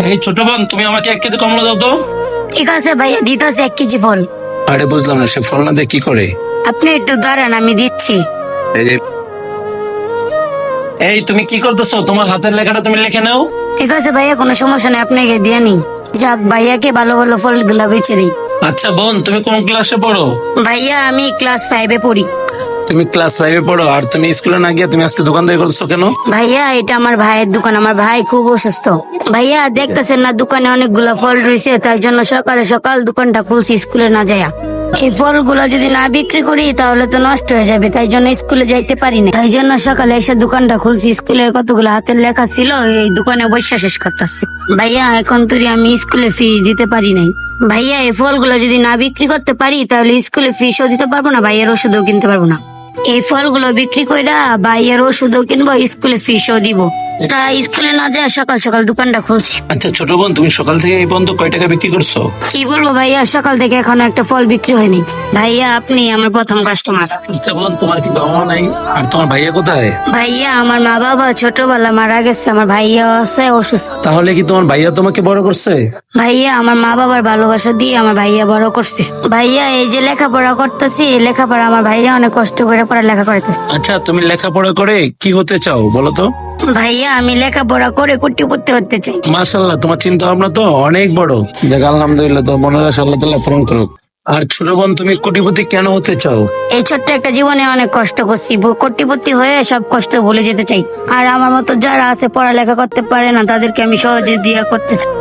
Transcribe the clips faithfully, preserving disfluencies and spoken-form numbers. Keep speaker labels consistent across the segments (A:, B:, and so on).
A: এই ছোট বোন, তুমি আমাকে এক কেজি কমলা দাও তো।
B: ঠিক আছে ভাইয়া, দিতেছে এক কেজি ফল।
A: আরে বুঝলাম না, সে ফল না দিয়ে কি করে?
B: আপনি একটু দাঁড়ান, আমি দিচ্ছি।
A: এই তুমি কি করতেছো? তোমার হাতের লেখাটা তুমি লিখে নাও।
B: ঠিক আছে ভাইয়া, কোনো সমস্যা নেই, আপনাকে দিয়ে নি। যাক, ভাইয়াকে ভালো ভালো ফল গুলা বেচে দিই।
A: আচ্ছা বোন, তুমি কোন ক্লাসে পড়ো?
B: ভাইয়া আমি ক্লাস ফাইভে পড়ি।
A: তুমি ক্লাস ফাইভে পড়ো আর তুমি স্কুলে না গিয়ে তুমি আজকে দোকানদারি করতেছো কেন?
B: ভাইয়া এটা আমার ভাইয়ের দোকান, আমার ভাই খুব অসুস্থ। ভাইয়া দেখতেছেন না দোকানে অনেকগুলা ফল রয়েছে, তাই জন্য সকালে সকাল দোকানটা খুলছি স্কুলে না যায়া। এই ফলগুলো যদি না বিক্রি করি তাহলে তো নষ্ট হয়ে যাবে, তাই জন্য স্কুলে যাইতে পারি না। তাই জন্য সকালে এসে দোকানটা খুলছি। স্কুলের কতগুলো হাতের লেখা ছিল, এই দোকানে বসে শেষ করতেছি। ভাইয়া এখন তুই আমি স্কুলে ফিস দিতে পারি নাই। ভাইয়া এই ফলগুলো যদি না বিক্রি করতে পারি তাহলে স্কুলে ফিসও দিতে পারবো না, ভাইয়ের ওষুধও কিনতে পারবো না। এই ফলগুলো বিক্রি কইরা ভাইয়ের ওষুধও কিনবো, স্কুলে ফিসও দিব। তা স্কুলে না যায় সকাল সকাল দোকানটা খুলছি।
A: আচ্ছা ছোট বোন, তুমি সকাল থেকে এই পর্যন্ত কয় টাকা বিক্রি করছো?
B: কি বলবো ভাইয়া, সকাল থেকে এখনো একটা ফল বিক্রি হয়নি। ভাইয়া আপনি আমার প্রথম কাস্টমার।
A: আচ্ছা বোন, তোমার কি বাবা মা নাই? আর তোমার ভাইয়া কোথায়?
B: ভাইয়া আমার মা বাবা ছোটবেলা মারা গেছে, আমার ভাইয়া আছে অসুস্থ।
A: তাহলে কি তোমার ভাইয়া তোমাকে বড় করছে?
B: ভাইয়া আমার মা বাবার ভালোবাসা দিয়ে আমার ভাইয়া বড় করছে। ভাইয়া এই যে লেখাপড়া করতেছি, এই লেখাপড়া আমার ভাইয়া অনেক কষ্ট করে পড়ালেখা করতেছে।
A: আচ্ছা তুমি লেখাপড়া করে কি হতে চাও বলো তো?
B: ভাইয়া আমি লেখাপড়া করে কোটিপতি হতে চাই।
A: মাশাআল্লাহ, তোমার চিন্তা ভাবনা তো অনেক বড়। যাক আলহামদুলিল্লাহ, তো মনে হয় আল্লাহ তাআলা পূরণ করুক। আর ছোট বোন, তুমি কোটিপতি কেন হতে চাও?
B: এই ছোট্ট একটা জীবনে অনেক কষ্ট করছি, ব- কোটিপতি হয়ে সব কষ্ট ভুলে যেতে চাই। আর আমার মতো যারা আছে পড়ালেখা করতে পারে না, তাদেরকে আমি সহজে দিয়া করতে চাই।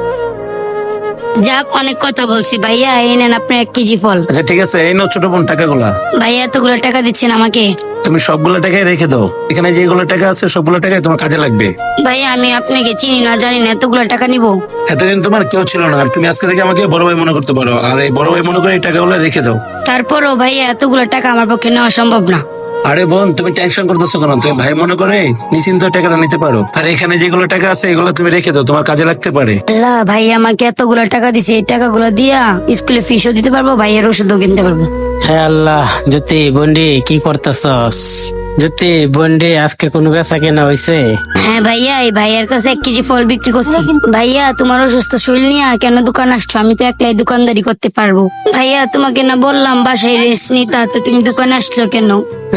B: যাক অনেক কথা বলছি, ভাইয়া এই নেন আপনার এক কেজি ফল।
A: আচ্ছা ঠিক আছে, এই নাও ছোট বোন টাকাগুলা।
B: ভাইয়া এতগুলো টাকা দিচ্ছেন আমাকে?
A: তুমি সবগুলো টাকাই রেখে দাও, এখানে যেগুলো টাকা আছে সবগুলো টাকাই তোমার কাজে লাগবে।
B: ভাইয়া আমি আপনাকে চিনি না জানি না, এতগুলো টাকা নিবো?
A: এতদিন তোমার কেউ ছিল না, আর তুমি আজকে থেকে আমাকে বড় ভাই মনে করতে পারো, আর এই বড় ভাই মনে করে এই টাকাগুলো রেখে দাও।
B: তারপরও ভাইয়া এতগুলো টাকা আমার পক্ষে নেওয়া সম্ভব না।
A: আরে বোন, তুমি টেনশন করতেছো কেন? তুমি ভাই মনে করে নিশ্চিন্ত টাকাটা নিতে পারো। আর এখানে যেগুলো টাকা আছে এগুলো তুমি রেখে দাও, তোমার কাজে লাগতে পারে।
B: আল্লাহ, ভাইয়া আমাকে এতগুলো টাকা দিছে, এই টাকাগুলো দিয়া স্কুলে ফিসও দিতে পারবো, ভাইয়ের ওষুধও কিনতে পারবো।
C: হ্যাঁ আল্লাহ, জ্যোতি বন্ডি কি করতেছস? জ্যোতি বন্ডি আজকে কোনো বেচা কেনা হয়েছে?
B: হ্যাঁ ভাইয়া, এই ভাইয়ার কাছে এক কেজি ফল বিক্রি করছি। ভাইয়া তোমার অসুস্থ শরীর নিয়ে কেন দোকান আসছো? আমি তো একলাই দোকানদারি করতে পারবো। ভাইয়া তোমাকে না বললাম বাসায় রেস্ট নিতে, তো তুমি দোকানে আসলো কেন?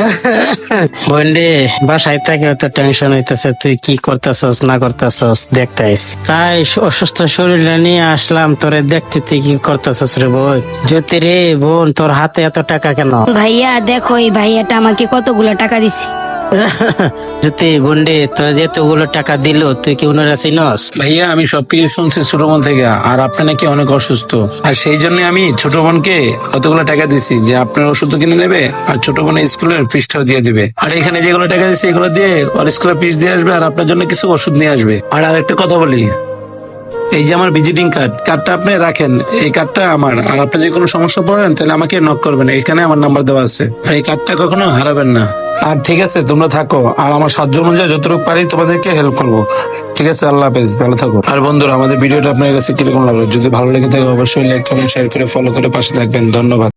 C: বন্ডি বাসায় থেকে তো টেনশন হইতেছে, তুই কি করতেছস না করতেছস দেখতেছ, তাই অসুস্থ শরীর নিয়ে আসলাম তোরে দেখতে। তুই কি করতেছস রে বোন? জ্যোতি রে বোন, তোর হাতে এত টাকা কেন?
B: ভাইয়া দেখো, এই ভাইয়াটা আমাকে কতগুলো টাকা দিছে।
C: জ্যোতি বন্ডি তোর এতগুলো টাকা দিল, তুই কি ওনারা চিনস?
A: ভাইয়া আমি সবকিছু শুনছি ছোট বোন থেকে, আর আপনি নাকি অনেক অসুস্থ, আর সেই জন্য আমি ছোট বোনকে কতগুলো টাকা দিছি যে আপনার ওষুধ কিনে নেবে আর ছোট বোনের স্কুলের ফিসটাও দিয়ে দিবে। আর এখানে যেগুলো টাকা দিচ্ছে এগুলো দিয়ে ওর স্কুলের ফিস দিয়ে আসবে, আর আপনার জন্য কিছু ওষুধ নিয়ে আসবে। আর আরেকটা কথা বলি, এই যে আমার ভিজিটিং কার্ড, কার্ডটা আপনি রাখেন, এই কার্ডটা আমার। আর আপনি যে কোনো সমস্যা পড়েন তাহলে আমাকে নক করবেন, এখানে আমার নাম্বার দেওয়া আছে। আর এই কার্ডটা কখনো হারাবেন না। আর ঠিক আছে, তোমরা থাকো, আর আমার সাহায্য অনুযায়ী যতটুকু পারি তোমাদেরকে হেল্প করবো। ঠিক আছে, আল্লাহ হাফেজ, ভালো থাকো। আর বন্ধুরা, আমাদের ভিডিওটা আপনার কাছে কিরকম লাগলো? যদি ভালো লেগে থাকে অবশ্যই লাইক কমেন্ট শেয়ার করে ফলো করে পাশে থাকবেন। ধন্যবাদ।